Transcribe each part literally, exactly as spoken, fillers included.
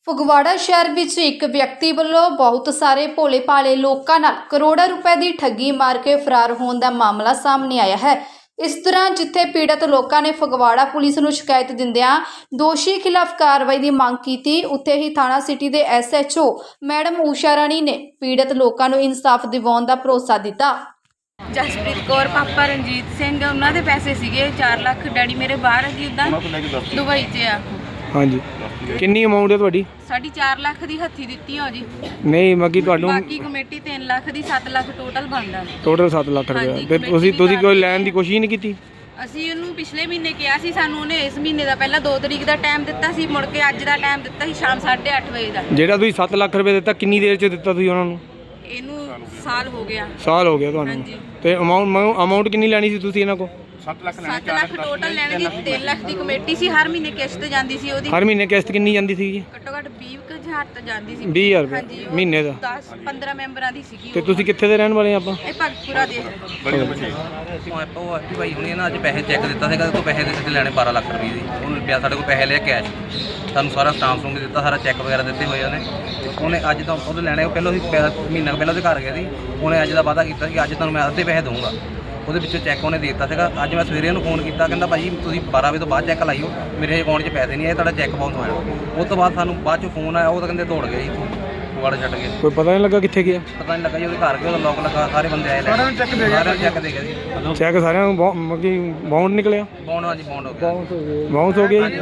ਫਗਵਾੜਾ ਸ਼ਹਿਰ ਵਿੱਚ ਇੱਕ ਵਿਅਕਤੀ ਵੱਲੋਂ ਬਹੁਤ ਸਾਰੇ ਭੋਲੇ ਭਾਲੇ ਲੋਕਾਂ ਨਾਲ ਕਰੋੜਾਂ ਰੁਪਏ ਦੀ ਠੱਗੀ ਮਾਰ ਕੇ ਫਰਾਰ ਹੋਣ ਦਾ ਮਾਮਲਾ ਸਾਹਮਣੇ ਆਇਆ ਹੈ। ਇਸ ਤਰ੍ਹਾਂ ਜਿੱਥੇ ਪੀੜਤ ਲੋਕਾਂ ਨੇ ਫਗਵਾੜਾ ਪੁਲਿਸ ਨੂੰ ਸ਼ਿਕਾਇਤ ਦਿੰਦਿਆਂ ਦੋਸ਼ੀ ਖਿਲਾਫ ਕਾਰਵਾਈ ਦੀ ਮੰਗ ਕੀਤੀ, ਉੱਥੇ ਹੀ ਥਾਣਾ ਸਿਟੀ ਦੇ S H O madam Usha Rani ਨੇ ਪੀੜਤ ਲੋਕਾਂ ਨੂੰ ਇਨਸਾਫ ਦਿਵਾਉਣ ਦਾ ਭਰੋਸਾ ਦਿੱਤਾ। ਜਸਪ੍ਰੀਤ ਕੌਰ, ਪਾਪਾ ਰਣਜੀਤ ਸਿੰਘ, ਉਹਨਾਂ ਦੇ ਪੈਸੇ ਸੀਗੇ ਚਾਰ ਲੱਖ। ਡੈਡੀ ਮੇਰੇ ਬਾਹਰ ਜੀ ਉਦਾਂ ਦੁਬਈ 'ਚ ਆ। ਹਾਂਜੀ, ਕਿੰਨੀ ਅਮਾਉਂਟ ਹੈ ਤੁਹਾਡੀ? ਸਾਡੀ ਚਾਰ ਲੱਖ ਦੀ ਹੱਥੀ ਦਿੱਤੀ ਹੋ ਜੀ। ਨਹੀਂ ਮੱਗੀ ਤੁਹਾਨੂੰ ਬਾਕੀ ਕਮੇਟੀ ਤਿੰਨ ਲੱਖ ਦੀ ਸੱਤ ਲੱਖ ਟੋਟਲ ਬਣਦਾ। ਟੋਟਲ ਸੱਤ ਲੱਖ ਰੁਪਏ। ਫਿਰ ਤੁਸੀਂ ਤੁਸੀਂ ਕੋਈ ਲੈਣ ਦੀ ਕੋਸ਼ਿਸ਼ ਨਹੀਂ ਕੀਤੀ? ਅਸੀਂ ਉਹਨੂੰ ਪਿਛਲੇ ਮਹੀਨੇ ਕਿਹਾ ਸੀ, ਸਾਨੂੰ ਉਹਨੇ ਇਸ ਮਹੀਨੇ ਦਾ ਪਹਿਲਾਂ ਦੋ ਤਰੀਕ ਦਾ ਟਾਈਮ ਦਿੱਤਾ ਸੀ, ਮੁੜ ਕੇ ਅੱਜ ਦਾ ਟਾਈਮ ਦਿੱਤਾ ਸੀ ਸ਼ਾਮ ਸਾਢੇ ਅੱਠ ਵਜੇ ਦਾ। ਜਿਹੜਾ ਤੁਸੀਂ ਸੱਤ ਲੱਖ ਰੁਪਏ ਦਿੱਤਾ ਕਿੰਨੀ ਦੇਰ 'ਚ ਦਿੱਤਾ ਤੁਸੀਂ ਉਹਨਾਂ ਨੂੰ? ਇਹਨੂੰ ਸਾਲ ਹੋ ਗਿਆ। ਸਾਲ ਹੋ ਗਿਆ ਤੁਹਾਨੂੰ? ਤੇ ਅਮਾਉਂਟ ਅਮਾਉਂਟ ਕਿੰਨੀ ਲੈਣੀ ਸੀ ਤੁਸੀਂ ਇਹਨਾਂ ਕੋਲ? ਸੱਤ ਲੱਖ ਸੱਤ ਲੱਖ ਟੋਟਲ ਲੈਣ ਦੀ। ਤਿੰਨ ਲੱਖ ਦੀ ਕਮੇਟੀ ਸੀ, ਹਰ ਮਹੀਨੇ ਕਿਸ਼ਤ ਜਾਂਦੀ ਸੀ ਉਹਦੀ। ਹਰ ਮਹੀਨੇ ਕਿਸ਼ਤ ਕਿੰਨੀ ਜਾਂਦੀ ਸੀ ਜੀ? ਘੱਟੋ ਘੱਟ ਵੀਹ ਹਜ਼ਾਰ ਤਾਂ ਜਾਂਦੀ ਸੀ। ਵੀਹ ਹਜ਼ਾਰ ਰੁਪਏ ਮਹੀਨੇ ਦਾ? ਦਸ ਪੰਦਰਾਂ ਮੈਂਬਰਾਂ ਦੀ ਸੀਗੀ। ਤੇ ਤੁਸੀਂ ਕਿੱਥੇ ਦੇ ਰਹਿਣ ਵਾਲੇ? ਆਪਾਂ ਇਹ ਭਗਤਪੁਰਾ ਦੇ। ਉਹ ਐਫ ਭਾਈ ਹੁਣੇ ਨਾ ਅੱਜ ਪੈਸੇ ਚੈੱਕ ਦਿੱਤਾ ਸੀਗਾ, ਤੋਂ ਪੈਸੇ ਦੇ ਲੈਣੇ ਬਾਰਾਂ ਲੱਖ ਰੁਪਏ ਦੀ। ਉਹਨੇ ਪਿਆ ਸਾਡੇ ਕੋਲ ਪੈਸੇ ਲਿਆ ਕੈਸ਼, ਸਾਨੂੰ ਸਾਰਾ ਸਟਾਂਪ ਸਟੂੰਪ ਦਿੱਤਾ, ਸਾਰਾ ਚੈੱਕ ਵਗੈਰਾ ਦਿੱਤੇ ਹੋਏ ਉਹਨੇ। ਉਹਨੇ ਅੱਜ ਤਾਂ ਉਹਦੇ ਲੈਣੇ ਪਹਿਲਾਂ ਅਸੀਂ ਮਹੀਨਾ ਕੁ ਪਹਿਲਾਂ ਉਹਦੇ ਘਰ ਗਿਆ ਸੀ। ਉਹਨੇ ਅੱਜ ਦਾ ਵਾਅਦਾ ਕੀਤਾ ਕਿ ਅੱਜ ਤੁਹਾਨੂੰ ਮੈਂ ਅੱਧੇ ਪੈਸੇ ਦਊਂਗਾ। ਉਹਦੇ ਵਿੱਚੋਂ ਚੈੱਕ ਉਹਨੇ ਦੇ ਦਿੱਤਾ ਸੀਗਾ। ਅੱਜ ਮੈਂ ਸਵੇਰੇ ਉਹਨੂੰ ਫੋਨ ਕੀਤਾ, ਕਹਿੰਦਾ ਭਾਈ ਤੁਸੀਂ ਬਾਰਾਂ ਵਜੇ ਤੋਂ ਬਾਅਦ ਚੈੱਕ ਲਾਈਓ, ਮੇਰੇ ਅਕਾਊਂਟ 'ਚ ਪੈਸੇ ਨਹੀਂ ਆਏ, ਤੁਹਾਡਾ ਚੈੱਕ ਬਾਉਂਸ ਹੋਇਆ। ਉਸ ਤੋਂ ਬਾਅਦ ਸਾਨੂੰ ਬਾਅਦ 'ਚੋਂ ਫੋਨ ਆਇਆ, ਉਹ ਤਾਂ ਕਹਿੰਦੇ ਦੌੜ ਗਏ ਜੀ, ਫਗਵਾੜਾ ਛੱਡ ਗਏ। ਕੋਈ ਪਤਾ ਨਹੀਂ ਲੱਗਾ ਕਿੱਥੇ ਗਿਆ? ਪਤਾ ਨਹੀਂ ਲੱਗਾ ਜੀ। ਉਹਦੇ ਘਰ ਗਿਆ, ਉਹਦਾ ਲੋਕ ਲੱਗਾ, ਸਾਰੇ ਬੰਦੇ ਆਏ, ਸਾਰਿਆਂ ਨੂੰ ਚੈੱਕ ਦੇ ਗਿਆ। ਸਾਰਿਆਂ ਨੂੰ ਚੈੱਕ ਦੇ ਗਿਆ ਜੀ। ਚੈੱਕ ਸਾਰਿਆਂ ਨੂੰ ਬਾਉਂਡ ਨਿਕਲਿਆ? ਬਾਉਂਡ, ਹਾਂਜੀ ਬਾਉਂਡ ਹੋ ਗਿਆ। ਬਾਉਂਸ ਹੋ ਗਿਆ ਜੀ?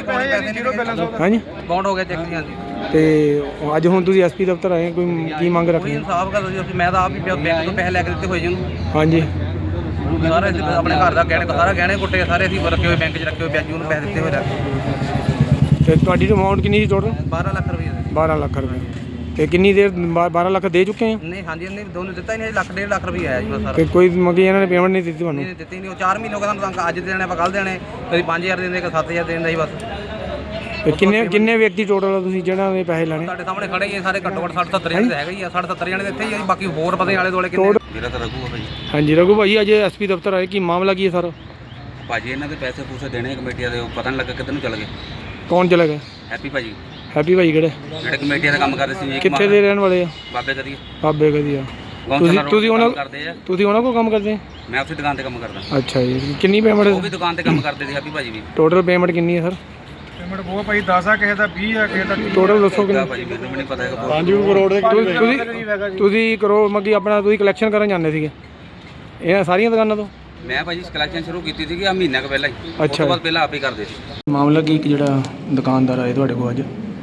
ਹਾਂਜੀ ਬਾਉਂਡ ਹੋ ਗਿਆ ਚੈੱਕ ਜੀ। ਹਾਂਜੀ। ਤੇ ਅੱਜ ਹੁਣ ਤੁਸੀਂ ਐਸ ਪੀ ਦਫ਼ਤਰ ਆਏ, ਕੋਈ ਕੀ ਮੰਗ ਰੱਖਦੇ? ਇਨਸਾਫ ਕਰ ਦਿਓ। ਮੈਂ ਤਾਂ ਆਪ ਹੀ ਬੈਂਕ ਤੋਂ ਪੈਸੇ ਲੈ ਕੇ ਦਿੱਤੇ ਹੋਏ ਜੀ ਉਹਨੂੰ। ਹਾਂਜੀ, ਸਾਰੇ ਆਪਣੇ ਘਰ ਦਾ ਗਹਿਣੇ ਸਾਰਾ ਗਹਿਣੇ ਕੁੱਟੇ ਸਾਰੇ ਅਸੀਂ ਰੱਖੇ ਹੋਏ, ਬੈਂਕ 'ਚ ਰੱਖੇ ਹੋਏ, ਵਿਆਜੂ ਨੂੰ ਪੈਸੇ ਦਿੱਤੇ ਹੋਏ ਰੱਖ। ਤੇ ਤੁਹਾਡੀ ਅਮਾਉਂਟ ਕਿੰਨੀ ਸੀ ਟੋਟਲ? ਬਾਰਾਂ ਲੱਖ ਰੁਪਏ। ਬਾਰਾਂ ਲੱਖ ਰੁਪਏ। ਤੇ ਕਿੰਨੀ ਦੇਰ ਬਾਰਾਂ ਲੱਖ ਦੇ ਚੁੱਕੇ ਆ? ਨਹੀਂ, ਹਾਂਜੀ, ਨਹੀਂ ਦੋਨੋਂ ਦਿੱਤਾ ਹੀ ਨਹੀਂ। ਲੱਖ ਡੇਢ ਲੱਖ ਰੁਪਏ ਆਇਆ ਜੀ ਸਾਰਾ। ਤੇ ਕੋਈ ਮੰਗੀ ਇਹਨਾਂ ਨੇ ਪੇਮੈਂਟ ਨਹੀਂ ਦਿੱਤੀ ਤੁਹਾਨੂੰ? ਨਹੀਂ ਦਿੱਤੀ ਨਹੀਂ। ਉਹ ਚਾਰ ਮਹੀਨੇ ਹੋ ਗਏ ਸਾਨੂੰ ਤੰਗ, ਅੱਜ ਦੇਣੇ ਆਪਾਂ ਕੱਲ੍ਹ ਦੇਣੇ, ਕਦੀ ਪੰਜ ਹਜ਼ਾਰ ਦਿੰਦੇ, ਕਦੀ ਸੱਤ ਹਜ਼ਾਰ ਦਿੰਦਾ ਜੀ ਬਸ। ਤੇ ਕਿੰਨੇ ਕਿੰਨੇ ਵਿਅਕਤੀ ਟੋਟਲ ਤੁਸੀਂ ਜਿਹੜਾ ਇਹ ਪੈਸੇ ਲੈਣੇ? ਸਾਡੇ ਸਾਹਮਣੇ ਖੜੇ ਹੀ ਸਾਰੇ, ਘੱਟੋ ਘੱਟ ਸੱਠ ਸੱਤਰ ਜਣੇ ਤਾਂ ਹੈਗਾ ਹੀ ਆ। ਸੱਠ ਸੱਤਰ ਜਣੇ ਇੱਥੇ ਹੀ ਆ, ਬਾਕੀ ਹੋਰ ਪਤਾ ਨਹੀਂ ਆਲੇ ਦੁਆਲੇ ਕਿੰਨੇ। ਮੇਰਾ ਤਾਂ ਰਘੂ ਆ ਭਾਈ। ਹਾਂਜੀ ਰਘੂ ਭਾਈ, ਅੱਜ ਐਸ ਪੀ ਦਫ਼ਤਰ ਆਏ, ਕੀ ਮਾਮਲਾ ਕੀ ਹੈ ਸਰ? ਭਾਜੀ ਇਹਨਾਂ ਦੇ ਪੈਸੇ ਪੂਸੇ ਦੇਣੇ ਕਮੇਟੀਆਂ ਦੇ, ਪਤਾ ਨਹੀਂ ਲੱਗਾ ਕਿੱਧਰ ਨੂੰ ਚਲੇ ਗਏ। ਕੌਣ ਚਲਾ ਗਿਆ? ਹੈਪੀ ਭਾਜੀ। ਹੈਪੀ ਭਾਈ ਕਿਹੜੇ? ਜਿਹੜੇ ਕਮੇਟੀਆਂ ਦਾ ਕੰਮ ਕਰਦੇ ਸੀ। ਕਿੱਥੇ ਦੇ ਰਹਿਣ ਵਾਲੇ ਆ? ਬਾਬੇ ਕਦੀ ਬਾਬੇ ਕਦੀ ਆ। ਤੁਸੀਂ ਤੁਸੀਂ ਉਹਨਾਂ ਤੁਸੀਂ ਉਹਨਾਂ ਕੋਲ ਕੰਮ ਕਰਦੇ? ਮੈਂ ਉਸੇ ਦੁਕਾਨ ਤੇ ਕੰਮ ਕਰਦਾ। ਅੱਛਾ ਜੀ, ਕਿੰਨੀ ਪੇਮੈਂਟ? ਉਹ ਵੀ ਦੁਕਾਨ ਤੇ ਕੰਮ ਕਰਦੇ ਸੀ ਹੈਪੀ ਭਾਜੀ ਵੀ। ਟੋਟਲ ਪੇਮੈਂਟ ਕਿੰਨੀ ਹੈ ਸਰ? ਪੇਮੈਂਟ ਬਹੁਤ ਭਾਈ ਦਸ ਆ, ਕਿਸੇ ਦਾ ਵੀਹ ਆ, ਕਿਸੇ ਦਾ ਟੋਟਲ ਦੱਸੋ ਕਿੰਨਾ? ਭਾਜੀ ਮੈਨੂੰ ਵੀ ਨਹੀਂ ਪਤਾ ਹੈਗਾ। ਪੰਜ ਕਰੋੜ ਦੇ ਤੁਸੀਂ ਤੁਸੀਂ ਕਰੋ ਮੱਗੀ ਆਪਣਾ, ਤੁਸੀਂ ਕਲੈਕਸ਼ਨ ਕਰਨ ਜਾਂਦੇ ਸੀਗੇ ਇਹਨਾਂ ਸਾਰੀਆਂ ਦੁਕਾਨਾਂ ਤੋਂ? ਮੈਂ ਭਾਜੀ ਕਲੈਕਸ਼ਨ ਸ਼ੁਰੂ ਕੀਤੀ ਸੀ ਆ ਮਹੀਨਾ ਕੁ ਪਹਿਲਾਂ ਹੀ। ਉਸ ਅੱਛਾ, ਤੋਂ ਬਾਅਦ ਪਹਿਲਾਂ ਆਪ ਹੀ ਕਰਦੇ ਸੀ। ਮਾਮਲਾ ਕੀ ਕਿ ਜਿਹੜਾ ਦੁਕਾਨਦਾਰ ਆਏ ਤੁਹਾਡੇ ਕੋਲ ਅੱਜ?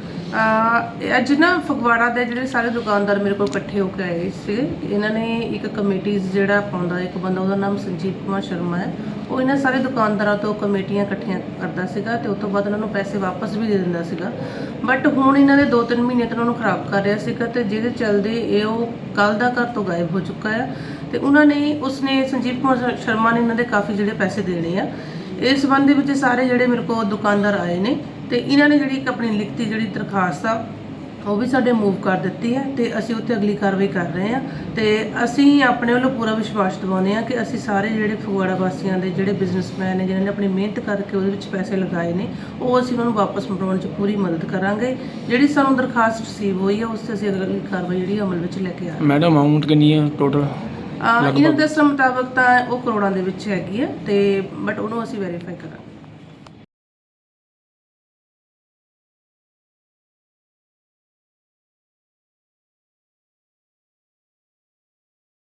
ਅੱਜ ਨਾ ਫਗਵਾੜਾ ਦੇ ਜਿਹੜੇ ਸਾਰੇ ਦੁਕਾਨਦਾਰ ਮੇਰੇ ਕੋਲ ਇਕੱਠੇ ਹੋ ਕੇ ਆਏ ਸੀ। ਇਹਨਾਂ ਨੇ ਇੱਕ ਕਮੇਟੀਜ਼ ਜਿਹੜਾ ਪਾਉਂਦਾ ਇੱਕ ਬੰਦਾ, ਉਹਦਾ ਨਾਮ ਸੰਜੀਵ ਕੁਮਾਰ ਸ਼ਰਮਾ ਹੈ, ਉਹ ਇਹਨਾਂ ਸਾਰੇ ਦੁਕਾਨਦਾਰਾਂ ਤੋਂ ਕਮੇਟੀਆਂ ਇਕੱਠੀਆਂ ਕਰਦਾ ਸੀਗਾ ਤੇ ਉਸ ਤੋਂ ਬਾਅਦ ਉਹਨਾਂ ਨੂੰ ਪੈਸੇ ਵਾਪਸ ਵੀ ਦੇ ਦਿੰਦਾ ਸੀਗਾ। ਬਟ ਹੁਣ ਇਹਨਾਂ ਦੇ ਦੋ ਤਿੰਨ ਮਹੀਨੇ ਤੋਂ ਉਹਨਾਂ ਨੂੰ ਖਰਾਬ ਕਰ ਰਿਹਾ ਸੀਗਾ ਤੇ ਜਿਹਦੇ ਚੱਲਦੇ ਇਹ ਉਹ ਕੱਲ੍ਹ ਦਾ ਘਰ ਤੋਂ ਗਾਇਬ ਹੋ ਚੁੱਕਾ ਆ। ਤੇ ਉਹਨਾਂ ਨੇ ਉਸਨੇ ਸੰਜੀਵ ਕੁਮਾਰ ਸ਼ਰਮਾ ਨੇ ਇਹਨਾਂ ਦੇ ਕਾਫੀ ਜਿਹੜੇ ਪੈਸੇ ਦੇਣੇ ਆ। ਇਸ ਸੰਬੰਧ ਦੇ ਵਿੱਚ ਸਾਰੇ ਜਿਹੜੇ ਮੇਰੇ ਕੋਲ ਦੁਕਾਨਦਾਰ ਆਏ ਨੇ ਤੇ ਇਹਨਾਂ ਨੇ ਜਿਹੜੀ ਇੱਕ ਆਪਣੀ ਲਿਖਤੀ ਜਿਹੜੀ ਦਰਖਾਸਤ ਆ ਉਹ ਵੀ ਸਾਡੇ ਮੂਵ ਕਰ ਦਿੱਤੀ ਹੈ ਤੇ ਅਸੀਂ ਉੱਥੇ ਅਗਲੀ ਕਾਰਵਾਈ ਕਰ ਰਹੇ ਹਾਂ। ਤੇ ਅਸੀਂ ਆਪਣੇ ਵੱਲੋਂ ਪੂਰਾ ਵਿਸ਼ਵਾਸ ਦਿਵਾਉਂਦੇ ਹਾਂ ਕਿ ਅਸੀਂ ਸਾਰੇ ਜਿਹੜੇ ਫਗਵਾੜਾ ਵਾਸੀਆਂ ਦੇ ਜਿਹੜੇ ਬਿਜ਼ਨਸਮੈਨ ਨੇ ਜਿਨ੍ਹਾਂ ਨੇ ਆਪਣੀ ਮਿਹਨਤ ਕਰਕੇ ਉਹਦੇ ਵਿੱਚ ਪੈਸੇ ਲਗਾਏ ਨੇ, ਉਹ ਅਸੀਂ ਉਹਨਾਂ ਨੂੰ ਵਾਪਸ ਮੁੜਾਉਣ 'ਚ ਪੂਰੀ ਮਦਦ ਕਰਾਂਗੇ। ਜਿਹੜੀ ਸਾਨੂੰ ਦਰਖਾਸਤ ਰਿਸੀਵ ਹੋਈ ਹੈ ਉਸ 'ਤੇ ਅਸੀਂ ਅਗਲੀ ਕਾਰਵਾਈ ਜਿਹੜੀ ਅਮਲ ਵਿੱਚ ਲੈ ਕੇ ਆ ਰਹੇ ਹਾਂ। ਮੈਡਮ ਅਮਾਊਂਟ ਕਿੰਨੀ ਹੈ ਟੋਟਲ? ਇਹਨਾਂ ਦੇ ਦੱਸਣ ਮੁਤਾਬਕ ਤਾਂ ਉਹ ਕਰੋੜਾਂ ਦੇ ਵਿੱਚ ਹੈਗੀ ਹੈ ਤੇ ਬਟ ਉਹਨੂੰ ਅਸੀਂ ਵੈਰੀਫਾਈ ਕਰਾਂਗੇ।